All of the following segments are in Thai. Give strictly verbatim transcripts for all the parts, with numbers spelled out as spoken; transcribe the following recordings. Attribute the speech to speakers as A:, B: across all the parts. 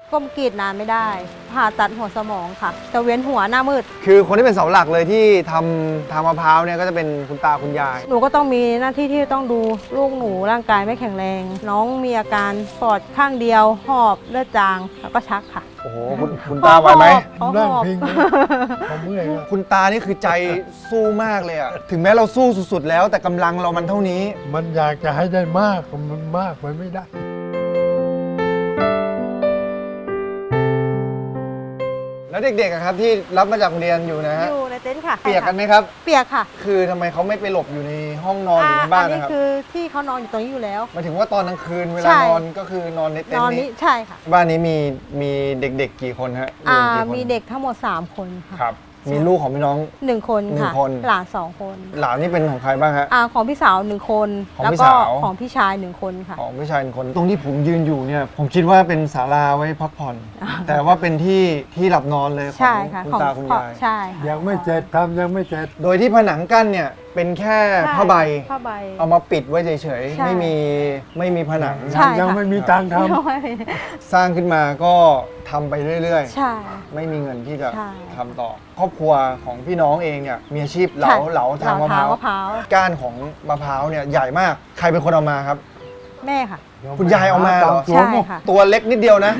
A: ก้มกรีดนานไม่ได้ผ่าตัดหัวสมองค่ะจะเวียนหัวหน้ามืด
B: คือคนที่เป็นเสาหลักเลยที่ทำทางมะพร้าวเนี่ยก็จะเป็นคุณตาคุณยาย
A: หนูก็ต้องมีหน้าที่ที่ต้องดูลูกหนูร่างกายไม่แข็งแรงน้องมีอาการปอดข้างเดียวหอบเลือดจางแล้วก็ชักค่ะ
B: โอ้โหคุณคุณตาไหวไหม
C: นั่งพิงผมเมื่อย
B: คุณตานี่คือใจสู้มากเลยอะถึงแม้เราสู้สุดๆแล้วแต่กำลังเรามันเท่านี้
C: มันอยากจะให้ได้มากมันมากไปไม่ได้
B: แล้วเด็กๆครับที่รับมาจากโรงเรียนอยู่นะฮะ
A: อยู่ในเต็นท์ค่ะ
B: เปียกกันไหมครับ
A: เปียกค่ะ
B: คือทำไมเขาไม่ไปหลบอยู่ในห้องนอนหรือในบ้านนะครับ
A: อันนี้คือที่เขานอนอยู่ตรงนี้อยู่แล้ว
B: หมายถึงว่าตอนกลางคืนเวลานอนก็คือนอนในเต็นท์นี้
A: ใช่ค่ะ
B: บ้านนี้มีมีเด็กๆกี่คนฮะ
A: อ่ามีเด็กทั้งหมดสามคนค่ะ
B: ครับมีลูกของพี่น้อง
A: หนึ่งคนค่ะหลานสองคน
B: หลานนี่เป็นของใครบ้างฮะ
A: อ่าของพี่สาวหนึ่งคนแล้วก็ของพี่ชายหนึ่งคนค่ะ
B: ของพี่ชายหนึ่งคนตรงที่ผมยืนอยู่เนี่ยผมคิดว่าเป็นศาลาไว้พักผ่อนแต่ว่าเป็นที่ที่หลับนอนเลยของคุณตาคุณยาย
A: ใช่
C: ยังไม่เสร็จทำยังไม่เสร็จ
B: โดยที่ผนังกั้นเนี่ยเป็นแค่ผ้าใบ
A: ผ้าใบ
B: เอามาปิดไว้เฉยๆไม่มีไม่มีผนัง
C: ยังไม่มีตังค์ทำ
B: สร้างขึ้นมาก็ทำไปเรื่อย
A: ๆใช่ไม่
B: มีเงินที่จะทำต่อครอบครัวของพี่น้องเองเนี่ยมีอาชีพเหลาเหลาทางมะพร้าวก้านของมะพร้าวเนี่ยใหญ่มากใครเป็นคนเอามาครับ
A: แม่ค่ะ
B: คุณยายเอามาเหรอ
A: ใช่ค่ะ
B: ตัวเล็กนิดเดียวนะ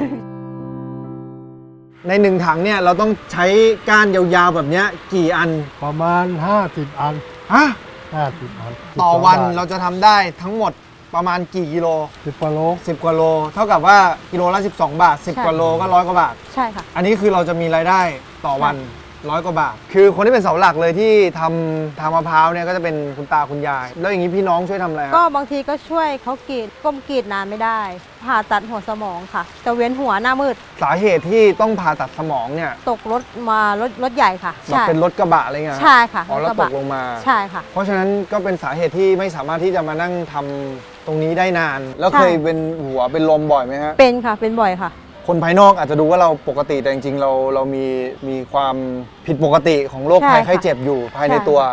B: ในหนึ่งถังเนี่ยเราต้องใช้ก้านยาวๆแบบนี้กี่อัน
C: ประมาณห้าสิบอัน
B: ฮะ
C: ห้าสิบอัน
B: ต่อวันเราจะทำได้ทั้งหมดประมาณกี่กิโล
C: สิบกว่าโล
B: สิบกว่าโลเท่ากับว่ากิโลละสิบสองบาทสิบกว่าโลก็ร้อยกว่าบาท
A: ใช่ค่ะ
B: อันนี้คือเราจะมีรายได้ต่อวันร้อยกว่าบาทคือคนที่เป็นเสาหลักเลยที่ทำทางมะพร้าวเนี่ยก็จะเป็นคุณตาคุณยายแล้วอย่างนี้พี่น้องช่วยทำอะไร
A: ก็บางทีก็ช่วยเขากรีดก้มกรีดนานไม่ได้ผ่าตัดหัวสมองค่ะจะเวียนหัวหน้ามืด
B: สาเหตุที่ต้องผ่าตัดสมองเนี่ย
A: ตกรถมารถรถใหญ่ค่ะ
B: ใช่เป็นรถกระบะอะไรเงี้ย
A: ใช่ค่ะ
B: อ๋อแล้วตกลงมา
A: ใช่ค่ะ
B: เพราะฉะนั้นก็เป็นสาเหตุที่ไม่สามารถที่จะมานั่งทำตรงนี้ได้นานแล้วเคยเป็นหัวเป็นลมบ่อยไหมฮะ
A: เป็นค่ะเป็นบ่อยค่ะ
B: คนภายนอกอาจจะดูว่าเราปกติแต่จริงๆเราเรามีมีความผิดปกติของโรคภัยไข้เจ็บอยู่ภายในตัว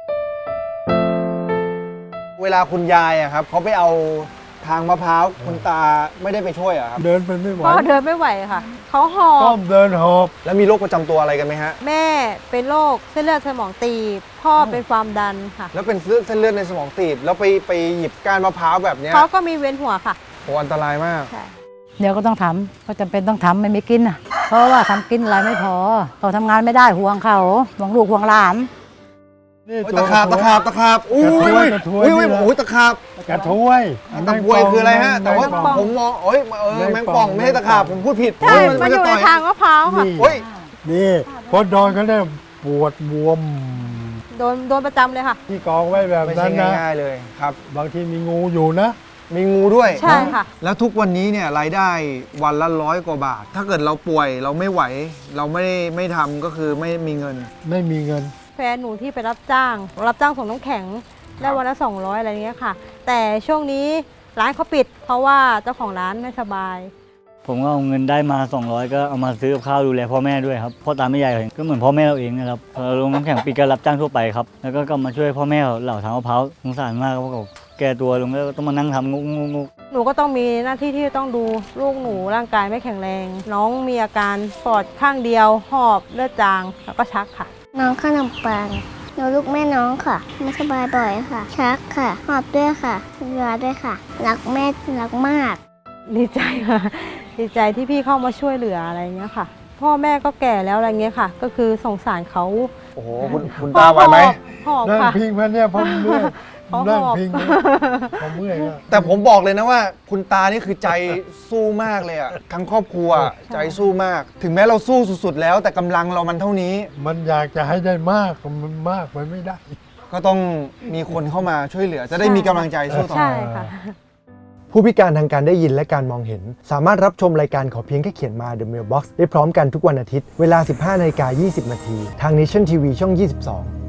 B: เวลาคุณยายอะครับเขาไปเอาทางมะพร้าวคุณตาไม่ได้ไปช่วยอะครับ
C: เดินไปไม่ไหว
A: ก็เดินไม่ไหวค่ะเขาหอบ
C: ก้มเดินหอบ
B: แล้วมีโรคประจำตัวอะไรกันไหมฮะ
A: แม่เป็นโรคเส้นเลือดสมองตีบพ่อเป็นความดันค่ะ
B: แล้วเป็นเส้นเลือดในสมองตีบแล้วไปไปหยิบก้านมะพร้าวแบบนี้
A: เขาก็มีเวียนหัวค่ะ
B: โอ้อันตรายมาก
D: เดี๋ยวก็ต้องทำก็จำเป็นต้องทำไม่มีกินอ่ะเพราะว่าทำกินอะไรไม่พอต่อทำงานไม่ได้ห่วงเขาห่วงลูกห่วงหลาน
B: ตะขาบตะขาบตะขาบอุ้ยอุ้ยอุ้ยโอ้ยตะขาบ
C: กระทวย
B: ตะบวยคืออะไรฮะแต่ว่าผมมองโอ้ยเออแมงป่องไม่ใช่ตะขาบผมพูดผิด
A: ใช่มันอยู่ในทางมะพร้าวค่ะ
B: โอ้ย
C: นี่พอโดนเขาเนี่ยปวดบวม
A: โดนโดนประจำเลยค่ะ
C: ที่กองไว้แบบนั้นนะ
B: ง่ายๆเลยครับ
C: บางทีมีงูอยู่นะ
B: มีงูด้วย
A: ใช่ค่ะ
B: แล้วทุกวันนี้เนี่ยรายได้วันละร้อยกว่าบาทถ้าเกิดเราป่วยเราไม่ไหวเราไม่ไม่ทำก็คือไม่มีเงิน
C: ไม่มีเงิน
A: แฟนหนูที่ไปรับจ้างรับจ้างส่งน้ำแข็งได้วันละสองร้อยอะไรเงี้ยค่ะแต่ช่วงนี้ร้านเขาปิดเพราะว่าเจ้าของร้านไม่สบาย
E: ผมก็เอาเงินได้มาสองร้อยก็เอามาซื้อกับข้าวดูแลพ่อแม่ด้วยครับพ่อตาแม่ยายก็เหมือนพ่อแม่เราเองนะครับพอลงน้ำแข็งปิดก็รับจ้างทั่วไปครับแล้วก็กลับมาช่วยพ่อแม่เหล่าทางมะพร้าวสงสารมากเพราะเขาแก่ตัวลงแล้วต้องมานั่งทำงุกงุก
A: หนูก็ต้องมีหน้าที่ที่ต้องดูลูกหนูร่างกายไม่แข็งแรงน้องมีอาการปอดข้างเดียวหอบเลือดจางแล้วก็ชักค่ะ
F: น้องขนมปังหนูลูกแม่น้องค่ะไม่สบายบ่อยค่ะชักค่ะหอบด้วยค่ะเรือด้วยค่ะรักแม่รักมาก
A: ดีใจค่ะดีใจที่พี่เข้ามาช่วยเหลืออะไรเงี้ยค่ะพ่อแม่ก็แก่แล้วอะไรเงี้ยค่ะก็คือสงสารเขา
B: โอ้โหคุณคุณตาไหวไหม
A: หอบ
C: ค่ะ
A: นั่ง
C: พิงมันเนี่ยผมเมื่อยนั่งพิงผมเมื่อย
B: แต่ผมบอกเลยนะว่าคุณตานี่คือใจสู้มากเลยอะทั้งครอบครัวใจสู้มากถึงแม้เราสู้สุดๆแล้วแต่กำลังเรามันเท่านี้
C: มันอยากจะให้ได้มากมันมากไปไม่ได้
B: ก็ต้องมีคนเข้ามาช่วยเหลือจะได้มีกำลังใจสู้ต่อ
A: ใช่ค่ะ
B: ผู้พิการทางการได้ยินและการมองเห็นสามารถรับชมรายการขอเพียงแค่เขียนมา The Mailbox ได้พร้อมกันทุกวันอาทิตย์เวลา สิบห้านาฬิกายี่สิบนาทีทาง Nation ที วี ช่อง ยี่สิบสอง